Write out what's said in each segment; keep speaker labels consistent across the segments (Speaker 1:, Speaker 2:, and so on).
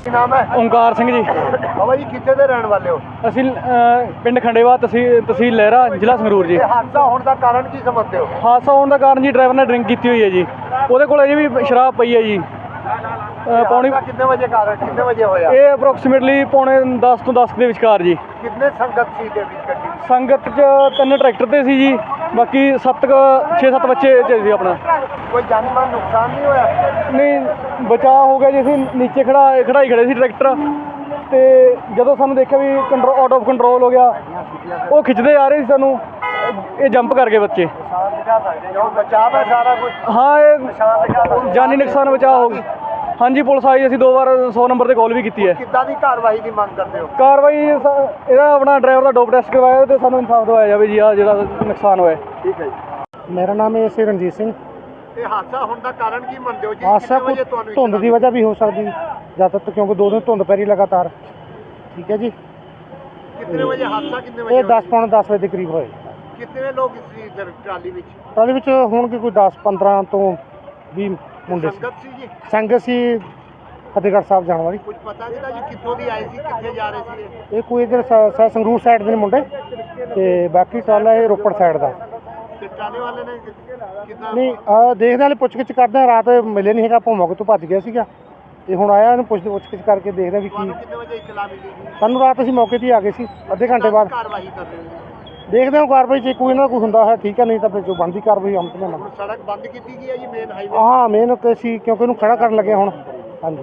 Speaker 1: ਕੀ ਨਾਮ ਹੈ?
Speaker 2: ਓਂਕਾਰ ਸਿੰਘ ਜੀ।
Speaker 1: ਬਾਬਾ ਜੀ ਕਿੱਥੇ ਦੇ ਰਹਿਣ ਵਾਲੇ ਹੋ?
Speaker 2: ਅਸੀਂ ਪਿੰਡ ਖੰਡੇਵਾ, ਤਹਿਸੀਲ ਲਹਿਰਾ, ਜ਼ਿਲ੍ਹਾ ਸੰਗਰੂਰ ਜੀ।
Speaker 1: ਇਹ ਹਾਦਸਾ ਹੋਣ ਦਾ ਕਾਰਨ ਕੀ ਸਮਝਦੇ ਹੋ?
Speaker 2: ਹਾਦਸਾ ਹੋਣ ਦਾ ਕਾਰਨ ਜੀ ਡਰਾਈਵਰ ਨੇ ਡਰਿੰਕ ਕੀਤੀ ਹੋਈ ਹੈ ਜੀ। ਉਹਦੇ ਕੋਲ ਅਜੇ ਵੀ ਸ਼ਰਾਬ ਪਈ ਹੈ ਜੀ। ਪੌਣੀ
Speaker 1: ਕਿੰਨੇ ਵਜੇ ਹੋਇਆ?
Speaker 2: ਇਹ ਅਪਰੋਕਸੀਮੇਟਲੀ ਪੌਣੇ 10 ਤੋਂ 10 ਦੇ ਵਿਚਕਾਰ ਜੀ।
Speaker 1: ਕਿੰਨੇ ਸੰਗਤ ਸੀ ਦੇ ਵਿੱਚ ਗੱਡੀ?
Speaker 2: ਸੰਗਤ 'ਚ 3 ਟਰੈਕਟਰ ਤੇ ਸੀ ਜੀ, ਬਾਕੀ 6-7 ਬੱਚੇ 'ਚ ਸੀ ਆਪਣਾ।
Speaker 1: ਕੋਈ ਜਾਨੀ ਮਾਲ ਨੁਕਸਾਨ ਨਹੀਂ ਹੋਇਆ?
Speaker 2: ਨਹੀਂ, ਬਚਾਅ ਹੋ ਗਿਆ ਜੀ। ਅਸੀਂ ਨੀਚੇ ਖੜਾਈ ਖੜੇ ਸੀ ਟਰੈਕਟਰ, ਤੇ ਜਦੋਂ ਸਾਨੂੰ ਦੇਖਿਆ ਵੀ ਆਊਟ ਆਫ ਕੰਟਰੋਲ ਹੋ ਗਿਆ, ਉਹ ਖਿੱਚਦੇ ਆ ਰਹੇ ਸੀ ਸਾਨੂੰ, ਇਹ ਜੰਪ ਕਰ ਗਏ ਬੱਚੇ।
Speaker 1: ਬਚਾਅ ਹੈ ਸਾਰਾ ਕੁਝ?
Speaker 2: ਹਾਂ, ਇਹ ਜਾਨੀ ਨੁਕਸਾਨ ਬਚਾਅ ਹੋ ਗਈ। ਹਾਂਜੀ, ਪੁਲਿਸ ਆਈ, ਅਸੀਂ 2 ਵਾਰ 100 ਨੰਬਰ ਤੇ ਕਾਲ ਵੀ ਕੀਤੀ ਹੈ।
Speaker 1: ਕਿੱਦਾਂ ਦੀ ਕਾਰਵਾਈ ਦੀ ਮੰਗ ਕਰਦੇ ਹੋ?
Speaker 2: ਕਾਰਵਾਈ ਇਹਦਾ ਆਪਣਾ ਡਰਾਈਵਰ ਦਾ ਡੋਪ ਟੈਸਟ ਕਰਵਾਇਆ ਤੇ ਸਾਨੂੰ ਇਨਸਾਫ ਦਿਵਾਇਆ ਜਾਵੇ ਜੀ। ਆ ਜਿਹੜਾ ਨੁਕਸਾਨ ਹੋਇਆ।
Speaker 1: ਠੀਕ ਹੈ ਜੀ।
Speaker 3: ਮੇਰਾ ਨਾਮ ਹੈ ਸੀ ਰਣਜੀਤ ਸਿੰਘ।
Speaker 1: ਇਹ ਹਾਦਸਾ ਹੋਣ ਦਾ ਕਾਰਨ ਕੀ ਮੰਨਦੇ ਹੋ ਜੀ?
Speaker 3: ਹਾਦਸਾ ਧੁੰਦ ਦੀ ਵਜ੍ਹਾ ਵੀ ਹੋ ਸਕਦੀ ਜ਼ਿਆਦਾਤਰ, ਕਿਉਂਕਿ 2 ਦਿਨ ਧੁੰਦ ਪੈ ਰਹੀ ਲਗਾਤਾਰ। ਠੀਕ ਹੈ ਜੀ।
Speaker 1: ਕਿੰਨੇ ਵਜੇ ਹਾਦਸਾ? ਕਿੰਨੇ ਵਜੇ?
Speaker 3: ਇਹ 10-10 ਵਜੇ ਦੇ ਕਰੀਬ ਹੋਏ।
Speaker 1: ਕਿੰਨੇ ਲੋਕ ਸੀ ਟਰਾਲੀ ਵਿੱਚ?
Speaker 3: ਟਰਾਲੀ ਵਿੱਚ ਹੋਣਗੇ ਕੋਈ 10-15 ਤੋਂ 20 ਮੁੰਡੇ ਸੀ।
Speaker 1: ਸੰਗਤ ਸੀ ਜੀ?
Speaker 3: ਸੰਗਤ ਸੀ ਫਤਿਹਗੜ੍ਹ ਸਾਹਿਬ ਜਾਣ ਵਾਲੀ।
Speaker 1: ਕੁਝ ਪਤਾ ਨਹੀਂ ਜੀ ਕਿੱਥੋਂ ਦੀ ਆਏ ਸੀ, ਕਿੱਥੇ ਜਾ ਰਹੇ ਸੀ?
Speaker 3: ਇਹ ਕੋਈ ਇੱਧਰ ਸੰਗਰੂਰ ਸਾਈਡ ਦੇ ਨੇ ਮੁੰਡੇ, ਤੇ ਬਾਕੀ ਟਰਾਲਾ ਇਹ ਰੋਪੜ ਸਾਈਡ ਦਾ।
Speaker 1: ਤੇ ਟਰਾਲੇ ਵਾਲੇ ਨੇ ਕਿੱਦਾਂ?
Speaker 3: ਨਹੀਂ, ਦੇਖਦੇ ਹਾਂ, ਪੁੱਛਗਿੱਛ ਕਰਦੇ ਹਾਂ। ਰਾਤ ਮਿਲੇ ਨਹੀਂ ਹੈਗਾ, ਆਪਾਂ ਮੌਕੇ ਤੋਂ ਭੱਜ ਗਿਆ ਸੀਗਾ, ਤੇ ਹੁਣ ਆਇਆ, ਇਹਨੂੰ ਪੁੱਛਗਿੱਛ ਕਰਕੇ ਦੇਖਦੇ ਹਾਂ ਵੀ ਕੀ।
Speaker 1: ਕਿੰਨੇ ਵਜੇ ਇਤਲਾ ਮਿਲੀ ਜੀ?
Speaker 3: ਸਾਨੂੰ ਰਾਤ ਅਸੀਂ ਮੌਕੇ 'ਤੇ ਹੀ ਆ ਗਏ ਸੀ, ਅੱਧੇ ਘੰਟੇ ਬਾਅਦ।
Speaker 1: ਕਾਰਵਾਈ ਕਰ ਰਹੇ ਹੋ?
Speaker 3: ਦੇਖਦੇ ਹਾਂ ਕਾਰਵਾਈ 'ਚ ਕੋਈ ਨਾ ਕੋਈ ਹੁੰਦਾ ਹੈ, ਠੀਕ ਹੈ, ਨਹੀਂ ਤਾਂ ਫਿਰ ਜੋ ਬਣਦੀ ਕਾਰਵਾਈ ਹਮ ਤੇ ਨਾ।
Speaker 1: ਸੜਕ ਬੰਦ ਕੀਤੀ ਗਈ ਹੈ ਜੀ, ਮੇਨ ਹਾਈਵੇ?
Speaker 3: ਹਾਂ, ਮੇਨ ਸੀ, ਕਿਉਂਕਿ ਇਹਨੂੰ ਖੜਾ ਕਰਨ ਲੱਗੇ ਹੁਣ। ਹਾਂਜੀ।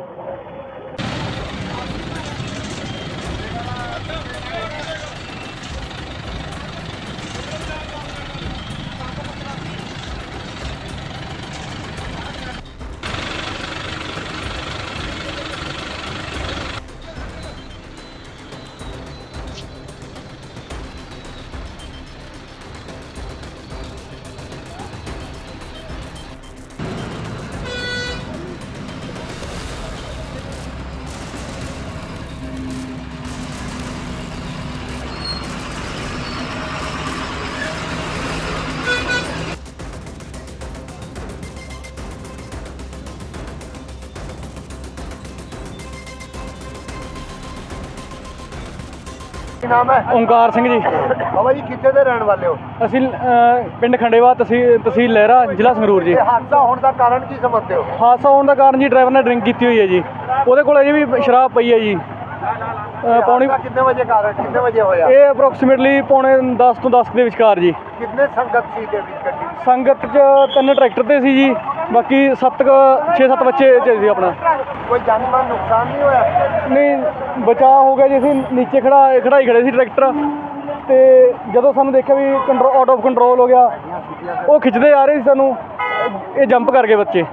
Speaker 1: ਕੀ ਨਾਮ ਹੈ?
Speaker 2: ਓਂਕਾਰ ਸਿੰਘ ਜੀ।
Speaker 1: ਬਾਬਾ ਜੀ ਕਿੱਥੇ ਦੇ ਰਹਿਣ ਵਾਲੇ ਹੋ?
Speaker 2: ਅਸੀਂ ਪਿੰਡ ਖੰਡੇਵਾ, ਤਹਿਸੀਲ ਲਹਿਰਾ, ਜ਼ਿਲ੍ਹਾ ਸੰਗਰੂਰ ਜੀ।
Speaker 1: ਇਹ ਹਾਦਸਾ ਹੋਣ ਦਾ ਕਾਰਨ ਕੀ ਸਮਝਦੇ ਹੋ?
Speaker 2: ਹਾਦਸਾ ਹੋਣ ਦਾ ਕਾਰਨ ਜੀ ਡਰਾਈਵਰ ਨੇ ਡਰਿੰਕ ਕੀਤੀ ਹੋਈ ਹੈ ਜੀ। ਉਹਦੇ ਕੋਲ ਅਜੇ ਵੀ ਸ਼ਰਾਬ ਪਈ ਹੈ ਜੀ। ਪੌਣੀ
Speaker 1: ਕਿੰਨੇ ਵਜੇ ਹੋਇਆ?
Speaker 2: ਇਹ ਅਪਰੋਕਸੀਮੇਟਲੀ ਪੌਣੇ 10 ਤੋਂ 10 ਦੇ ਵਿਚਕਾਰ ਜੀ।
Speaker 1: ਕਿੰਨੇ ਸੰਗਤ ਸੀ ਦੇ ਵਿੱਚ ਗੱਡੀ?
Speaker 2: ਸੰਗਤ 'ਚ 3 ਟਰੈਕਟਰ ਤੇ ਸੀ ਜੀ, ਬਾਕੀ 6-7 ਬੱਚੇ 'ਚ ਸੀ ਆਪਣਾ।
Speaker 1: ਕੋਈ ਜਾਨੀ ਮਾਲ ਨੁਕਸਾਨ ਨਹੀਂ ਹੋਇਆ?
Speaker 2: ਨਹੀਂ, ਬਚਾਅ ਹੋ ਗਿਆ ਜੀ। ਅਸੀਂ ਨੀਚੇ ਖੜਾਈ ਖੜੇ ਸੀ ਟਰੈਕਟਰ, ਤੇ ਜਦੋਂ ਸਾਨੂੰ ਦੇਖਿਆ ਵੀ ਆਊਟ ਆਫ ਕੰਟਰੋਲ ਹੋ ਗਿਆ, ਉਹ ਖਿੱਚਦੇ ਆ ਰਹੇ ਸੀ ਸਾਨੂੰ, ਇਹ ਜੰਪ ਕਰ ਗਏ ਬੱਚੇ।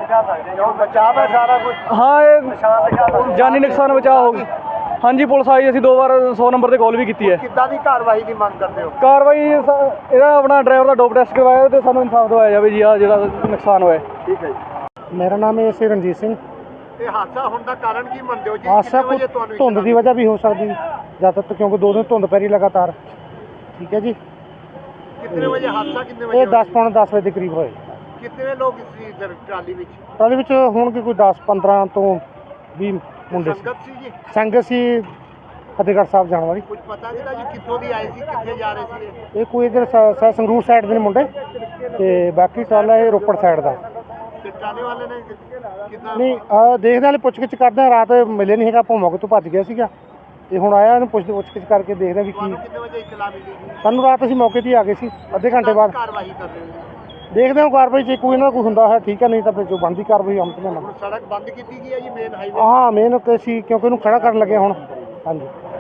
Speaker 1: ਬਚਾਅ ਹੈ ਸਾਰਾ ਕੁਝ?
Speaker 2: ਹਾਂ, ਇਹ ਜਾਨੀ ਨੁਕਸਾਨ ਬਚਾਅ ਹੋ ਗਈ। ਹਾਂਜੀ, ਪੁਲਿਸ ਆਈ, ਅਸੀਂ 2 ਵਾਰ 100 ਨੰਬਰ ਤੇ ਕਾਲ ਵੀ ਕੀਤੀ ਹੈ।
Speaker 1: ਕਿੱਦਾਂ ਦੀ ਕਾਰਵਾਈ ਦੀ ਮੰਗ ਕਰਦੇ ਹੋ?
Speaker 2: ਕਾਰਵਾਈ ਇਹਦਾ ਆਪਣਾ ਡਰਾਈਵਰ ਦਾ ਡੋਪ ਟੈਸਟ ਕਰਵਾਇਆ ਤੇ ਸਾਨੂੰ ਇਨਸਾਫ ਦਿਵਾਇਆ ਜਾਵੇ ਜੀ। ਆ ਜਿਹੜਾ ਨੁਕਸਾਨ ਹੋਇਆ।
Speaker 1: ਠੀਕ ਹੈ ਜੀ।
Speaker 3: ਮੇਰਾ ਨਾਮ ਹੈ ਸੀ ਰਣਜੀਤ ਸਿੰਘ।
Speaker 1: ਇਹ ਹਾਦਸਾ ਹੋਣ ਦਾ ਕਾਰਨ ਕੀ ਮੰਨਦੇ ਹੋ ਜੀ?
Speaker 3: ਹਾਦਸਾ ਧੁੰਦ ਦੀ ਵਜ੍ਹਾ ਵੀ ਹੋ ਸਕਦੀ ਜ਼ਿਆਦਾਤਰ, ਕਿਉਂਕਿ 2 ਦਿਨ ਧੁੰਦ ਪੈ ਰਹੀ ਲਗਾਤਾਰ। ਠੀਕ ਹੈ ਜੀ।
Speaker 1: ਕਿੰਨੇ ਵਜੇ ਹਾਦਸਾ? ਕਿੰਨੇ
Speaker 3: ਇਹ
Speaker 1: ਵਜੇ?
Speaker 3: 10-10 ਵਜੇ ਦੇ ਕਰੀਬ ਹੋਏ।
Speaker 1: ਕਿੰਨੇ ਲੋਕ ਸੀ ਟਰਾਲੀ ਵਿੱਚ?
Speaker 3: ਟਰਾਲੀ ਵਿੱਚ ਹੋਣਗੇ ਕੋਈ 10-15 ਤੋਂ 20 ਮੁੰਡੇ ਸੀ।
Speaker 1: ਸੰਗਤ ਸੀ ਜੀ?
Speaker 3: ਸੰਗਤ ਸੀ ਫਤਿਹਗੜ੍ਹ ਸਾਹਿਬ ਜਾਣ ਵਾਲੀ।
Speaker 1: ਕੁਝ ਪਤਾ ਨਹੀਂ ਜੀ ਕਿੱਥੋਂ ਦੀ ਆਏ ਸੀ, ਕਿੱਥੇ ਜਾ ਰਹੇ ਸੀ?
Speaker 3: ਇਹ ਕੋਈ ਇੱਧਰ ਸੰਗਰੂਰ ਸਾਈਡ ਦੇ ਨੇ ਮੁੰਡੇ, ਤੇ ਬਾਕੀ ਟਰਾਲਾ ਇਹ ਰੋਪੜ ਸਾਈਡ ਦਾ।
Speaker 1: ਤੇ ਟਰਾਲੇ ਵਾਲੇ ਨੇ ਕਿੱਦਾਂ?
Speaker 3: ਨਹੀਂ, ਦੇਖਦੇ ਹਾਂ, ਪੁੱਛਗਿੱਛ ਕਰਦੇ ਹਾਂ। ਰਾਤ ਮਿਲੇ ਨਹੀਂ ਹੈਗਾ, ਆਪਾਂ ਮੌਕੇ ਤੋਂ ਭੱਜ ਗਿਆ ਸੀਗਾ, ਤੇ ਹੁਣ ਆਇਆ, ਇਹਨੂੰ ਪੁੱਛਗਿੱਛ ਕਰਕੇ ਦੇਖਦੇ ਹਾਂ ਵੀ ਕੀ।
Speaker 1: ਕਿੰਨੇ ਵਜੇ ਇਤਲਾ ਮਿਲੀ ਜੀ?
Speaker 3: ਸਾਨੂੰ ਰਾਤ ਅਸੀਂ ਮੌਕੇ 'ਤੇ ਹੀ ਆ ਗਏ ਸੀ, ਅੱਧੇ ਘੰਟੇ ਬਾਅਦ।
Speaker 1: ਕਾਰਵਾਈ ਕਰ ਰਹੇ ਹੋ?
Speaker 3: ਦੇਖਦੇ ਹਾਂ ਕਾਰਵਾਈ 'ਚ ਕੋਈ ਨਾ ਕੋਈ ਹੁੰਦਾ ਹੈ, ਠੀਕ ਹੈ, ਨਹੀਂ ਤਾਂ ਫਿਰ ਜੋ ਬਣਦੀ ਕਾਰਵਾਈ ਹਮ ਤੇ ਨਾ।
Speaker 1: ਸੜਕ ਬੰਦ ਕੀਤੀ ਗਈ ਹੈ ਜੀ, ਮੇਨ ਹਾਈਵੇ?
Speaker 3: ਹਾਂ, ਮੇਨ ਸੀ, ਕਿਉਂਕਿ ਇਹਨੂੰ ਖੜਾ ਕਰਨ ਲੱਗੇ ਹੁਣ। ਹਾਂਜੀ।